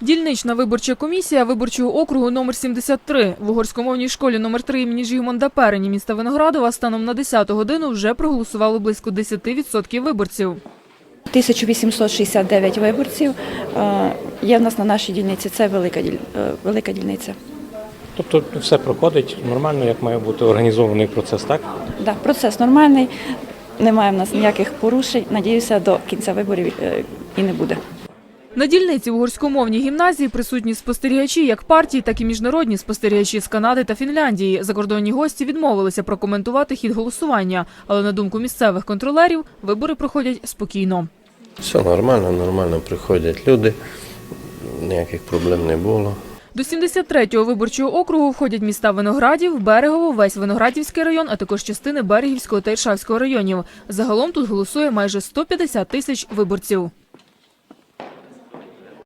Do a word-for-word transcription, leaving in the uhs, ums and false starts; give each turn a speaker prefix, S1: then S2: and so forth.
S1: Дільнична виборча комісія виборчого округу номер сімдесят три в угорськомовній школі номер три імені Жігмунда Перені міста Виноградова станом на десяту годину вже проголосувало близько десяти відсотків виборців.
S2: тисяча вісімсот шістдесят дев'ять виборців є в нас на нашій дільниці. Це велика, велика дільниця.
S3: Тобто все проходить нормально, як має бути організований процес, так?
S2: Так, да, процес нормальний, немає в нас ніяких порушень. Надіюся, до кінця виборів і не буде.
S1: На дільниці в угорськомовній гімназії присутні спостерігачі як партії, так і міжнародні спостерігачі з Канади та Фінляндії. Закордонні гості відмовилися прокоментувати хід голосування, але на думку місцевих контролерів, вибори проходять спокійно.
S4: Все нормально, нормально приходять люди, ніяких проблем не було.
S1: До сімдесят третього виборчого округу входять міста Виноградів, Берегово, весь Виноградівський район, а також частини Берегівського та Іршавського районів. Загалом тут голосує майже сто п'ятдесят тисяч виборців.